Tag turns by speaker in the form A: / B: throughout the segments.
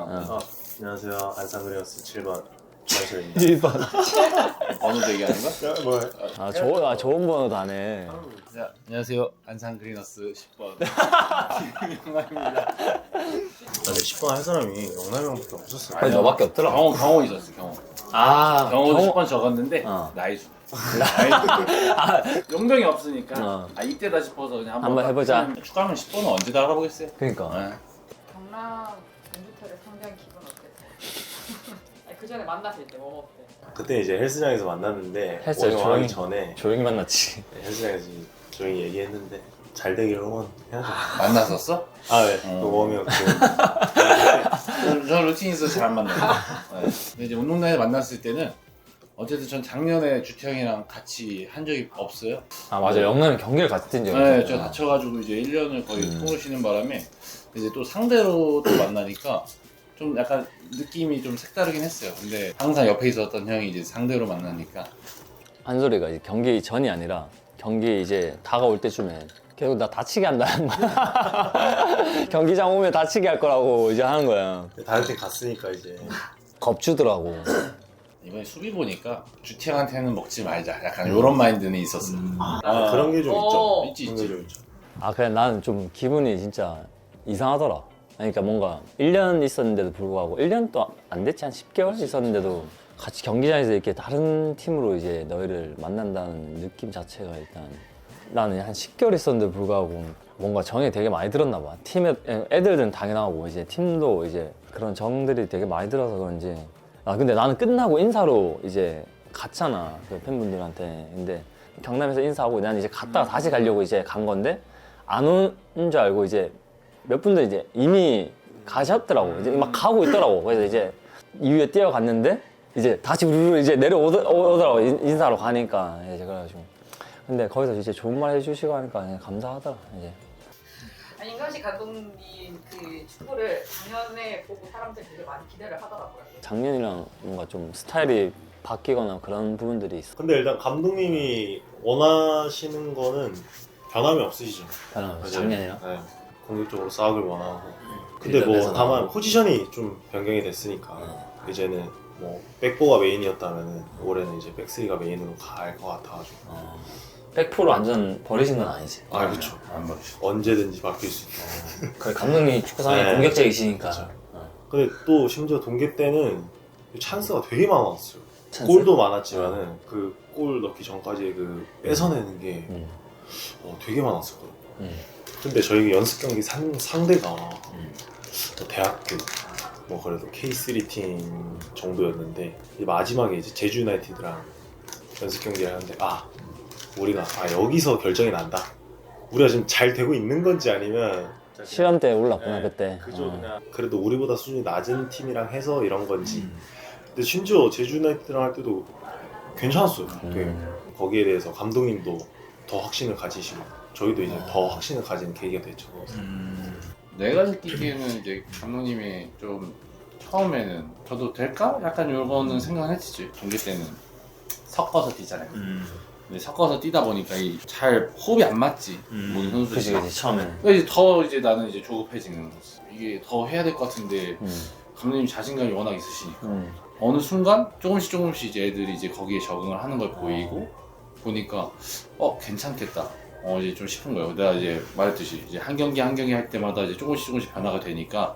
A: 안녕하세요. 안산그레어스 7번 주한철입니다.
B: 1번
C: 번호도 얘기하는 거야?
A: 뭐
B: 좋은 번호 다네.
C: 자, 안녕하세요. 안산 그리너스 10번 영남입니다.
A: 근데 10번 할 사람이 영남이 형밖에 없었어요.
B: 아니 너밖에 없더라.
C: 경호 있었어, 경호. 경호도 10번 적었는데 나이 주. 용병이 없으니까 이때다 싶어서 그냥
B: 한번 해보자.
C: 축구하면 10번은 언제다 알아보겠어요.
B: 그러니까.
D: 경남 공주태를 상대한 기분 어땠어요? 그 전에 만났을 때 뭐 먹었대?
A: 그때 이제 헬스장에서 만났는데
B: 헬스장
A: 오늘
B: 조용히-
A: 하기 전에
B: 조용히 만났지.
A: 헬스장에서 조용히 얘기했는데 잘 되기를 응원해야죠.
C: 만났었어?
A: 아 네. 그 웜이었고
C: 저는 루틴 있어서 잘 안 만나요. 네. 근데 이제 운동장에서 만났을 때는 어쨌든 전 작년에 주태형이랑 같이 한 적이 없어요.
B: 아 맞아. 영남이 경기를 같이 뛴 적이
C: 네,
B: 있어.
C: 제가 다쳐가지고 이제 1년을 거의 통을 쉬는 바람에 이제 또 상대로 또 만나니까 좀 약간 느낌이 좀 색다르긴 했어요. 근데 항상 옆에 있었던 형이 이제 상대로 만나니까
B: 한 소리가 이제 경기 전이 아니라 경기 이제 다가올 때쯤에 계속 나 다치게 한다는 거야. 경기장 오면 다치게 할 거라고 이제 하는 거야.
A: 다른 팀 갔으니까 이제
B: 겁주더라고.
C: 이번에 수비 보니까 주태형한테는 먹지 말자. 약간 이런 마인드는 있었어.
A: 그런 게 좀 있죠.
C: 있지,
A: 그런
C: 있지.
A: 게 좀 있죠.
B: 아 그냥 나는 좀 기분이 진짜 이상하더라. 그러니까 뭔가 1년 있었는데도 불구하고 1년도 안 됐지, 한 10개월 있었는데도 같이 경기장에서 이렇게 다른 팀으로 이제 너희를 만난다는 느낌 자체가 일단 나는 한 10개월 있었는데도 불구하고 뭔가 정이 되게 많이 들었나 봐. 팀에 애들은 당연하고 이제 팀도 이제 그런 정들이 되게 많이 들어서 그런지. 아 근데 나는 끝나고 인사로 이제 갔잖아, 그 팬분들한테. 근데 경남에서 인사하고 난 이제 갔다가 다시 가려고 이제 간 건데 안 오는 줄 알고 이제 몇 분들 이제 이미 가셨더라고. 이제 막 가고 있더라고. 그래서 이제 이후에 뛰어갔는데 이제 다시 우르르 이제 내려오더라고. 인사하러 가니까 이제 그래가지고. 근데 거기서 이제 좋은 말 해주시고 하니까 그냥 감사하더라 이제.
D: 아니 임강식 감독님 그 축구를 작년에 보고 사람들이 되게 많이 기대를 하더라고요.
B: 작년이랑 뭔가 좀 스타일이 바뀌거나 그런 부분들이 있어.
A: 근데 일단 감독님이 원하시는 거는 변함이 없으시죠.
B: 변함없이
A: 맞아요.
B: 작년이랑.
A: 네. 공격적으로 싸움을 원하고. 근데
B: 일단
A: 뭐
B: 그래서
A: 다만 포지션이 좀 변경이 됐으니까 이제는 뭐 백포가 메인이었다면은 올해는 이제 백스리가 메인으로 갈 것 같아가지고.
B: 100% 완전 버리신 건 아니지.
A: 아 그렇죠.
C: 안 먹으시죠.
A: 언제든지 바뀔 수 있다.
B: 그 감독님이 축구 상당히
A: 네.
B: 공격적이시니까.
A: 그쵸. 근데 또 심지어 동계 때는 찬스가 되게 많았어요.
B: 찬스?
A: 골도 많았지만은 그 골 넣기 전까지 그 뺏어내는 게 되게 많았었거든요. 근데 저희 연습 경기 상대가 뭐 대학교 뭐 그래도 K3 팀 정도였는데 이제 마지막에 이제 제주 유나이티드랑 연습 경기를 하는데 우리가 여기서 결정이 난다. 우리가 지금 잘 되고 있는 건지 아니면
B: 시험 때 올랐구나
A: 네,
B: 그때.
A: 그죠. 그냥 그래도 우리보다 수준이 낮은 팀이랑 해서 이런 건지. 근데 심지어 제주 유나이티드랑 할 때도 괜찮았어요. 되게 거기에 대해서 감독님도 더 확신을 가지시고 저희도 이제 더 확신을 가진 계기가 됐죠.
C: 내가 느끼기에는 이제 감독님이 좀 처음에는 저도 될까? 약간 요거는 생각을 했지. 동계 때는 섞어서 뛰잖아요. 근데 섞어서 뛰다 보니까 잘 호흡이 안 맞지. 모든 선수들이.
B: 그치 그치 처음에는.
C: 그래서 더 이제 나는 이제 조급해지는 거지. 이게 더 해야 될 것 같은데 감독님 자신감이 워낙 있으시니까 어느 순간 조금씩 이제 애들이 이제 거기에 적응을 하는 걸 보니까 괜찮겠다. 이제 좀 싶은 거예요. 내가 이제 말했듯이 이제 한 경기 할 때마다 이제 조금씩 변화가 되니까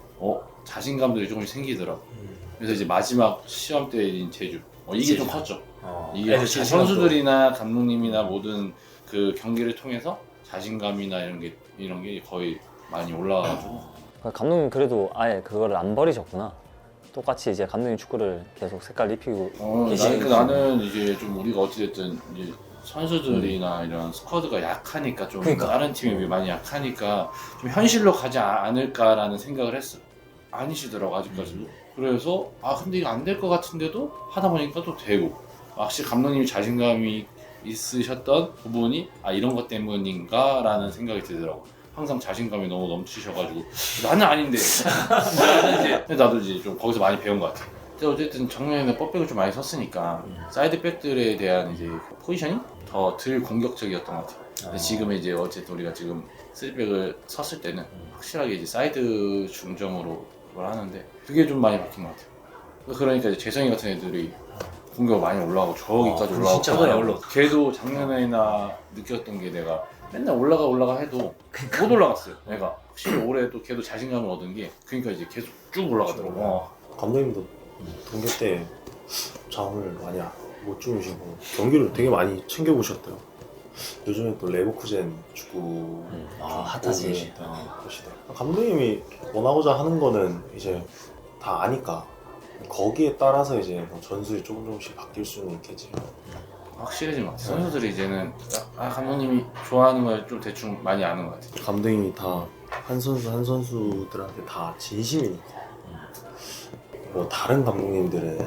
C: 자신감들이 조금씩 생기더라고. 그래서 이제 마지막 시험 때인 제주 이게 좀 컸죠. 이게 확실히 선수들이나 감독님이나 모든 그 경기를 통해서 자신감이나 이런 게 거의 많이 올라가가지고.
B: 감독님 그래도 아예 그거를 안 버리셨구나. 똑같이 이제 감독님 축구를 계속 색깔 입히고 계시니까.
C: 나는 이제 좀 우리가 어찌됐든 이제 선수들이나 이런 스쿼드가 약하니까 좀
B: 그러니까.
C: 다른 팀에 비해 많이 약하니까 좀 현실로 가지 않을까라는 생각을 했어. 아니시더라고 아직까지도. 그래서 근데 이거 안 될 것 같은데도 하다 보니까 또 되고. 확실히 감독님이 자신감이 있으셨던 부분이 이런 것 때문인가라는 생각이 들더라고. 항상 자신감이 너무 넘치셔가지고 나는 아닌데 나도 이제 좀 거기서 많이 배운 것 같아. 근데 어쨌든 작년에는 뻗백을 좀 많이 섰으니까 사이드 백들에 대한 이제 포지션이 더 덜 공격적이었던 것 같아. 근데 지금 이제 어쨌든 우리가 지금 3백을 섰을 때는 확실하게 이제 사이드 중점으로 걸 하는데 그게 좀 많이 바뀐 것 같아요. 그러니까 이제 재성이 같은 애들이 공격 많이 올라가고 저기까지 올라가고
E: 진짜 많이
C: 하더라고요. 걔도 작년에나 느꼈던 게 내가 맨날 올라가 해도 못 올라갔어요. 내가 확실히 올해 또 걔도 자신감을 얻은 게 그러니까 이제 계속 쭉 올라가더라고.
A: 감독님도 동계 때 잠을 많이 못 주무시고 경기를 되게 많이 챙겨보셨대요. 요즘에 또 레버쿠젠 축구
E: 핫하지.
A: 보시더라고요. 감독님이 원하고자 하는 거는 이제 다 아니까 거기에 따라서 이제 뭐 전술이 조금씩 바뀔 수는 있겠지.
C: 확실해진 것 같아요. 선수들이 이제는 감독님이 좋아하는 걸 좀 대충 많이 아는 것 같아요.
A: 감독님이 다 한 선수 한 선수들한테 다 진심이니까. 뭐 다른 감독님들은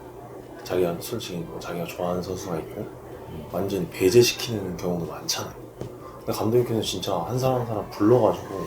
A: 자기가 솔직히 뭐 자기가 좋아하는 선수가 있고 완전히 배제시키는 경우도 많잖아요. 근데 감독님께서 진짜 한 사람 한 사람 불러가지고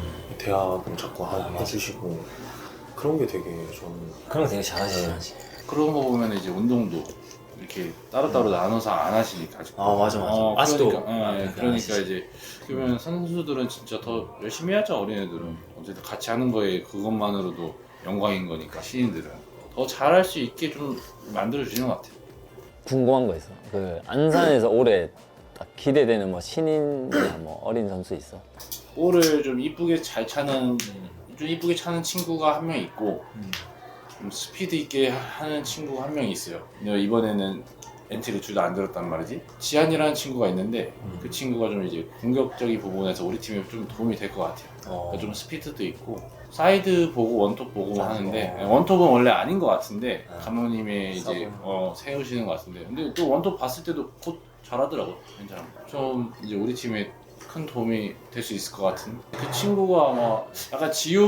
A: 대화도 자꾸 해주시고 그런 게 되게 저는
E: 그런 거 되게 잘하지.
C: 그런 거 보면 이제 운동도 이렇게 따로따로 나눠서 안 하시니까 아직도.
E: 맞아. 아직도.
C: 그러니까 이제 그러면 선수들은 진짜 더 열심히 하죠. 어린애들은 어쨌든 같이 하는 거에 그것만으로도 영광인 거니까 신인들은 더 잘할 수 있게 좀 만들어 주는 것 같아요.
B: 궁금한 거 있어. 그 안산에서 올해 딱 기대되는 뭐 신인이나 뭐 어린 선수 있어?
C: 볼을 좀 이쁘게 잘 차는 좀 이쁘게 차는 친구가 한 명 있고 좀 스피드 있게 하는 친구가 한 명 있어요. 근데 이번에는 엔트리 둘 다 안 들었단 말이지. 지한이라는 친구가 있는데 그 친구가 좀 이제 공격적인 부분에서 우리 팀에 좀 도움이 될 것 같아요. 그러니까 좀 스피드도 있고 사이드 보고 원톱 보고 하는데 원톱은 원래 아닌 것 같은데 감독님이 이제 세우시는 것 같은데 근데 또 원톱 봤을 때도 곧 잘하더라고. 괜찮아. 좀 이제 우리 팀에 큰 도움이 될 수 있을 것 같은 그 친구가 아마 약간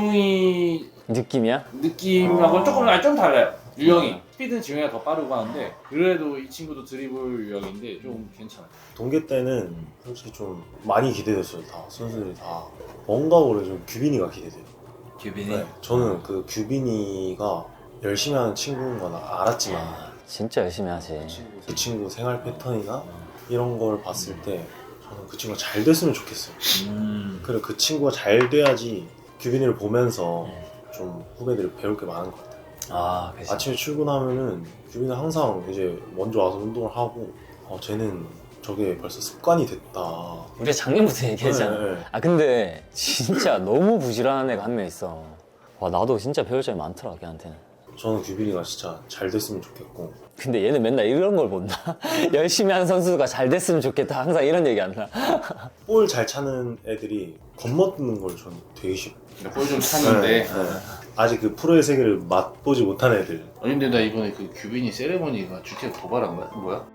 C: 지용이
B: 느낌이야?
C: 느낌하고 좀 달라요. 유형이 스피드는 지용이가 더 빠르고 하는데 그래도 이 친구도 드리블 유형인데 좀 괜찮아요.
A: 동계 때는 솔직히 좀 많이 기대됐어요. 다 선수들이 다 뭔가 올해 좀 규빈이가 기대돼요.
E: 규빈이?
A: 저는 그 규빈이가 열심히 하는 친구인 건 알았지만
B: 진짜 열심히 하지.
A: 그 친구 생활 패턴이나 이런 걸 봤을 때 저는 그 친구가 잘 됐으면 좋겠어요. 그리고 그 친구가 잘 돼야지 규빈이를 보면서 좀 후배들이 배울 게 많은 것 같아요.
E: 그치.
A: 아침에 출근하면은 규빈은 항상 이제 먼저 와서 운동을 하고 쟤는 저게 벌써 습관이 됐다.
B: 우리가 작년부터 얘기했잖아.
A: 네.
B: 근데 진짜 너무 부지런한 애가 한 명 있어. 와 나도 진짜 배울 점이 많더라 걔한테는.
A: 저는 규빈이가 진짜 잘 됐으면 좋겠고
B: 근데 얘는 맨날 이런 걸 본다. 열심히 하는 선수가 잘 됐으면 좋겠다. 항상 이런 얘기 한다.
A: 볼 잘 차는 애들이 건너뛰는 걸 저는 되게 싫어.
C: 볼 좀 차는데
A: 아직 그 프로의 세계를 맛보지 못한 애들.
C: 근데 나 이번에 그 규빈이 세레머니가 주택 도발한 거야? 뭐야?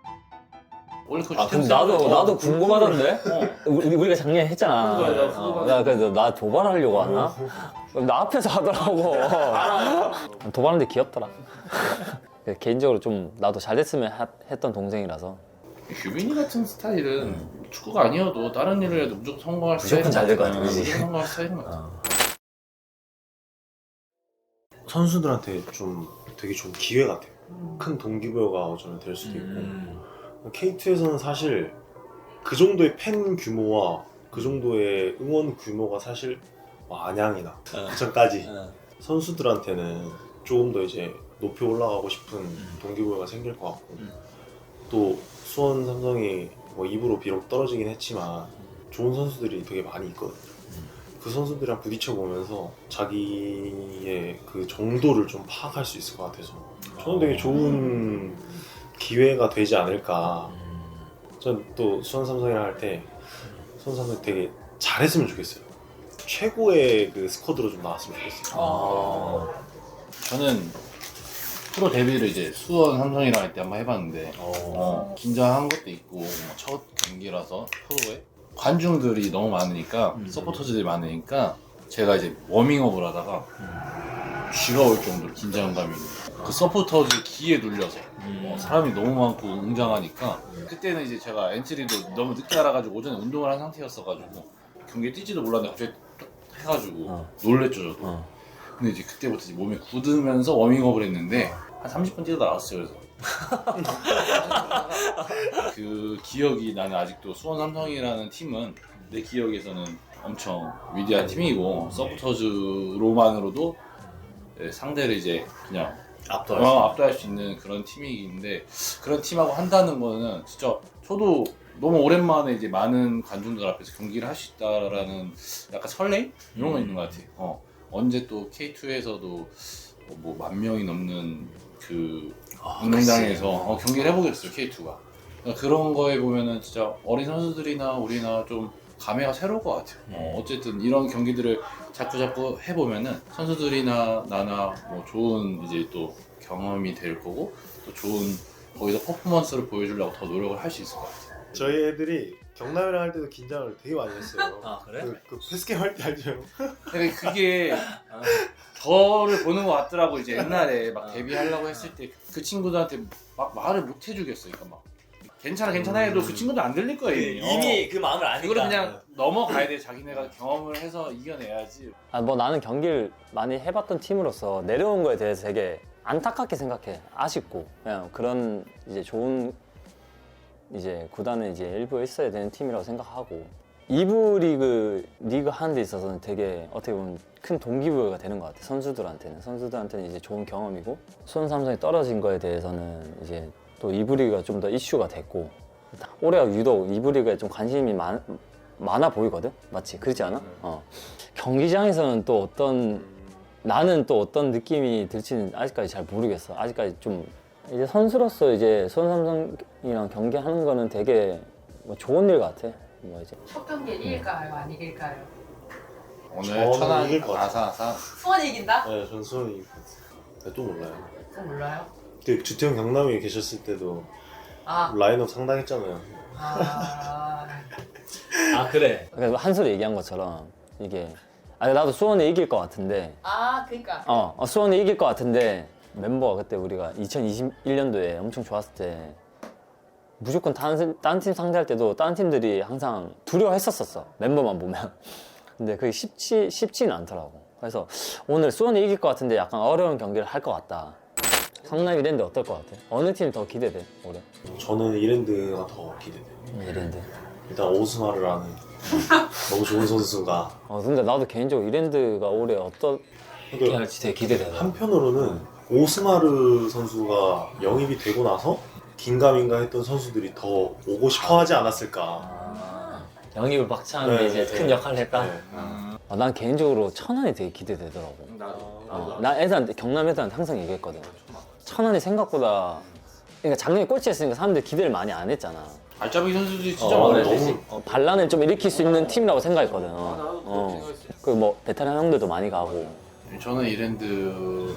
C: 원래 그 주택
B: 그럼
C: 세레머니
B: 나도 궁금하던데? 우리가 작년에 했잖아.
C: 그거야,
B: 나 그래서 나 도발하려고 하나? 나 앞에서 하더라고. 도발하는데 귀엽더라. 개인적으로 좀 나도 잘 됐으면 했던 동생이라서.
C: 규빈이 같은 스타일은 축구가 아니어도 다른 일을 해도 무조건 성공할
E: 무조건 잘 될 것 같아, 그지?
C: 무조건 성공할 스타일인 것 같아.
A: 선수들한테 좀 되게 좋은 기회 같아요. 큰 동기부여가 저는 될 수도 있고 K2에서는 사실 그 정도의 팬 규모와 그 정도의 응원 규모가 사실 안양이나 부천까지 선수들한테는 조금 더 이제 높이 올라가고 싶은 동기부여가 생길 것 같고 또 수원 삼성이 뭐 2부로 비록 떨어지긴 했지만 좋은 선수들이 되게 많이 있거든요. 그 선수들이랑 부딪혀 보면서 자기의 그 정도를 좀 파악할 수 있을 것 같아서 저는 되게 좋은 기회가 되지 않을까. 전 또 수원 삼성이랑 할 때 수원 삼성이 되게 잘했으면 좋겠어요. 최고의 그 스쿼드로 좀 나왔으면 좋겠어요.
C: 저는 프로 데뷔를 이제 수원 삼성이랑 할 때 한번 해봤는데 긴장한 것도 있고 첫 경기라서 프로에 관중들이 너무 많으니까 서포터즈들이 많으니까 제가 이제 워밍업을 하다가 쥐가 올 정도로 긴장감이 그 서포터즈 기에 눌려서 사람이 너무 많고 웅장하니까 그때는 이제 제가 엔트리도 너무 늦게 알아가지고 오전에 운동을 한 상태였어가지고 경기에 뛰지도 몰랐는데 갑자기 딱 해가지고 놀랬죠 저도. 근데 이제 그때부터 이제 몸이 굳으면서 워밍업을 했는데 한 30분 뛰다 나왔어요. 그래서 그 기억이 나는 아직도 수원 삼성이라는 팀은 내 기억에서는 엄청 위대한 팀이고 서포터즈로만으로도 상대를 이제 그냥
E: 압도할 수 있는.
C: 압도할 수 있는 그런 팀이긴데 그런 팀하고 한다는 거는 진짜 저도 너무 오랜만에 이제 많은 관중들 앞에서 경기를 할 수 있다라는 약간 설레임 이런 거 있는 것 같아. 언제 또 K2에서도 뭐 10,000명이 넘는 그 운동장에서 경기를 해보겠어요 K2가. 그러니까 그런 거에 보면은 진짜 어린 선수들이나 우리나 좀 감회가 새로울 것 같아요. 어쨌든 이런 경기들을 자꾸 해보면은 선수들이나 나나 뭐 좋은 이제 또 경험이 될 거고 또 좋은 거기서 퍼포먼스를 보여주려고 더 노력을 할 수 있을 것 같아요.
A: 저희 애들이 경남이랑 할 때도 긴장을 되게 많이 했어요.
E: 아 그래?
A: 그 패스게임 할 때 알죠?
C: 근데 그게 저를 보는 것 같더라고. 이제 옛날에 막 데뷔하려고 했을 때 그 친구들한테 막 말을 못 해주겠어. 그러니까 막 괜찮아 해도 그 친구들 안 들릴 거예요.
E: 이미 그 마음을 아니까.
C: 이거를 그냥 넘어가야 돼. 자기네가 경험을 해서 이겨내야지.
B: 뭐 나는 경기를 많이 해봤던 팀으로서 내려온 거에 대해서 되게 안타깝게 생각해. 아쉽고 그냥 그런 이제 좋은 이제 구단은 이제 일부에 있어야 되는 팀이라고 생각하고 2부 리그 하는 데 있어서는 되게 어떻게 보면 큰 동기부여가 되는 것 같아. 선수들한테는 이제 좋은 경험이고 수원 삼성이 떨어진 거에 대해서는 이제 또 2부 리그가 좀 더 이슈가 됐고 올해가 유독 2부 리그에 좀 관심이 많아 보이거든? 맞지? 그렇지 않아? 경기장에서는 또 나는 또 어떤 느낌이 들지는 아직까지 잘 모르겠어. 아직까지 좀 이제 선수로서 이제 수원 삼성이랑 경기하는 거는 되게 뭐 좋은 일 같아. 뭐 이제
D: 첫 경기에 이길까요? 안 이길까요?
C: 오늘
A: 저는
C: 천안
A: 이길 것 같아요.
C: 아사아사
D: 수원이 이긴다?
A: 네, 전 수원이 이길 것 같아요. 또 몰라요.
D: 저 몰라요.
A: 그때 주태형 경남에 계셨을 때도
D: 아,
A: 라인업 상당했잖아요.
D: 아,
E: 아 그래.
B: 그러니까 한솔이 얘기한 것처럼 이게 나도 수원이 이길 것 같은데
D: 그니까.
B: 수원이 이길 것 같은데 멤버가 그때 우리가 2021년도에 엄청 좋았을 때 무조건 다른 팀 상대할 때도 다른 팀들이 항상 두려워했었어. 멤버만 보면. 근데 그게 쉽지는 않더라고. 그래서 오늘 수원이 이길 것 같은데 약간 어려운 경기를 할 것 같다. 성남 이랜드 어떨 것 같아? 어느 팀이 더 기대돼 올해?
A: 저는 이랜드가 더 기대돼요.
B: 이랜드.
A: 일단 오스마르라는 너무 좋은 선수가
B: 근데 나도 개인적으로 이랜드가 올해 어떤
A: 그러니까
E: 할지 되게 기대되다.
A: 한편으로는 오스마르 선수가 영입이 되고 나서 긴가민가 했던 선수들이 더 오고 싶어 하지 않았을까.
E: 영입을 막차하는데
A: 네,
E: 이제
A: 네.
E: 큰 역할을 했다.
A: 네.
B: 난 개인적으로 천안이 되게 기대되더라고.
C: 나도
B: 나 애들한테 경남 애들한테 항상 얘기했거든. 천안이 생각보다 그러니까 작년에 꼴찌했으니까 사람들이 기대를 많이 안 했잖아.
C: 알짜배기 선수들이 진짜
A: 어,
C: 많아요.
A: 너무
B: 반란을 좀 일으킬 수 있는 팀이라고 생각했거든.
C: 나도 그렇게 생각했어.
B: 그 뭐 베테랑 형들도 많이 가고.
C: 저는 이랜드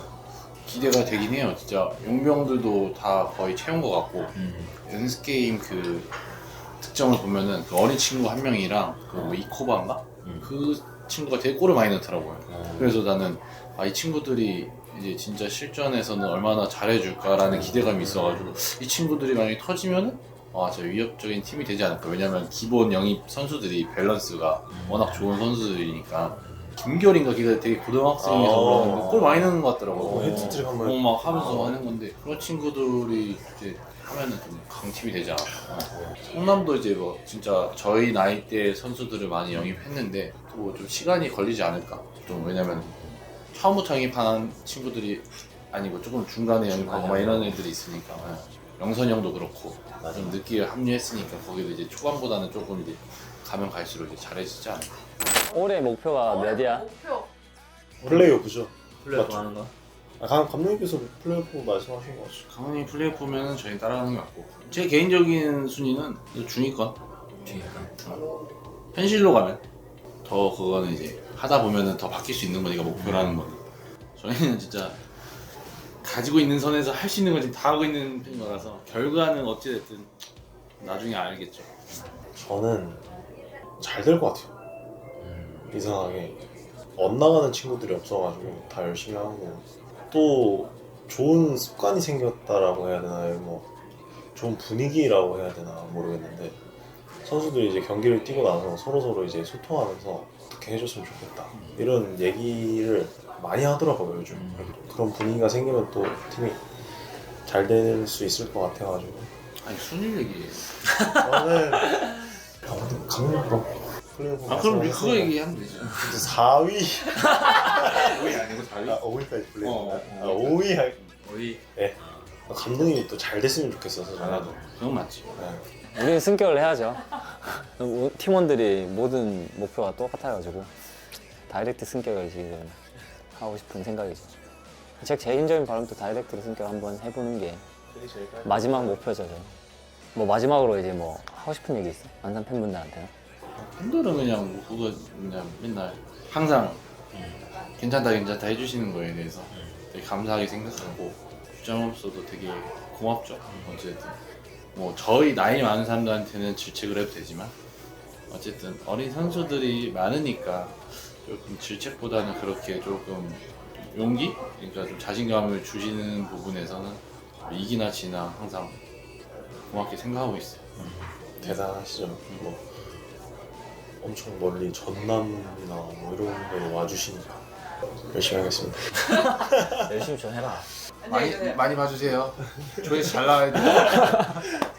C: 기대가 되긴 해요. 진짜 용병들도 다 거의 채운 것 같고 연습 게임 그 특정을 보면은 그 어린 친구 한 명이랑 그뭐 이코바인가 그 친구가 되게 골을 많이 넣더라고요. 그래서 나는 이 친구들이 이제 진짜 실전에서는 얼마나 잘해줄까라는 기대감이 있어가지고 이 친구들이 만약에 터지면은 진짜 위협적인 팀이 되지 않을까. 왜냐면 기본 영입 선수들이 밸런스가 워낙 좋은 선수들이니까. 김결인가 걔가 되게 고등학생에서 그러는데 골 많이 넣는 것 같더라고.
A: 헤드트릭 한번
C: 막 하면서 하는 건데 그런 친구들이 이제 하면은 좀 강팀이 되지 않을까. 성남도 이제 뭐 진짜 저희 나이대 선수들을 많이 영입했는데 또 좀 시간이 걸리지 않을까. 좀 왜냐면 처음부터 영입한 친구들이 아니고 조금 중간에 영입하고 막 이런 애들이 있으니까. 영선이 형도 그렇고 좀 늦게 합류했으니까 거기도 이제 초반보다는 조금 이제 가면 갈수록 이제 잘해지지 않을까.
B: 올해 목표가 몇이야?
D: 목표.
A: 플레이오프죠.
E: 플레이오프 하는 거.
A: 감독님께서 플레이오프 말씀하신 거 같죠.
C: 강원이 플레이오프면은 저희 따라가는 게 맞고 제 개인적인 순위는 중위권. 현실로 가면 더 그거는 이제 하다 보면은 더 바뀔 수 있는 거니까 목표라는 거는 저희는 진짜 가지고 있는 선에서 할 수 있는 걸 지금 다 하고 있는 편인 거라서 결과는 어찌됐든 나중에 알겠죠.
A: 저는 잘 될 것 같아요. 이상하게 엇나가는 친구들이 없어가지고 다 열심히 하고 또 좋은 습관이 생겼다라고 해야 되나 뭐 좋은 분위기라고 해야 되나 모르겠는데 선수들이 이제 경기를 뛰고 나서 서로 이제 소통하면서 어떻게 해줬으면 좋겠다 이런 얘기를 많이 하더라고요 요즘. 그런 분위기가 생기면 또 팀이 잘 될 수 있을 것 같아가지고
C: 아니 순위 얘기해.
A: 저는 강릉 플레이오프
C: 그럼 그거 얘기하면 되죠.
A: 4위
C: 5위 아니고 4위?
A: 아 5위까지 불리는
C: 어,
A: 거야?
C: 어,
A: 아 5위 할
E: 우리
A: 감독님이 또 잘 됐으면 좋겠어서
C: 나도 그건 맞지.
A: 네.
B: 우리는 승격을 해야죠. 팀원들이 모든 목표가 똑같아가지고 다이렉트 승격을 지금 하고 싶은 생각이죠. 제 개인적인 바람도 다이렉트로 승격을 한번 해보는 게 마지막 목표죠. 저는. 뭐 마지막으로 이제 뭐 하고 싶은 얘기 있어? 안산 팬분들한테는?
C: 팬들은 그냥 뭐 그거 그냥 맨날 항상 괜찮다 해주시는 거에 대해서 되게 감사하게 생각하고 주장 없어도 되게 고맙죠. 어쨌든 뭐 저희 나이 많은 사람들한테는 질책을 해도 되지만 어쨌든 어린 선수들이 많으니까 조금 질책보다는 그렇게 조금 용기? 그러니까 좀 자신감을 주시는 부분에서는 이기나 지나 항상 고맙게 생각하고 있어요.
A: 대단하시죠. 뭐 엄청 멀리 전남이나 뭐 이런 데로 와주시니까 열심히 하겠습니다.
B: 열심히 좀 해라.
D: 안녕히 계세요.
C: 많이 봐주세요. 조회수 잘 나와야 돼요.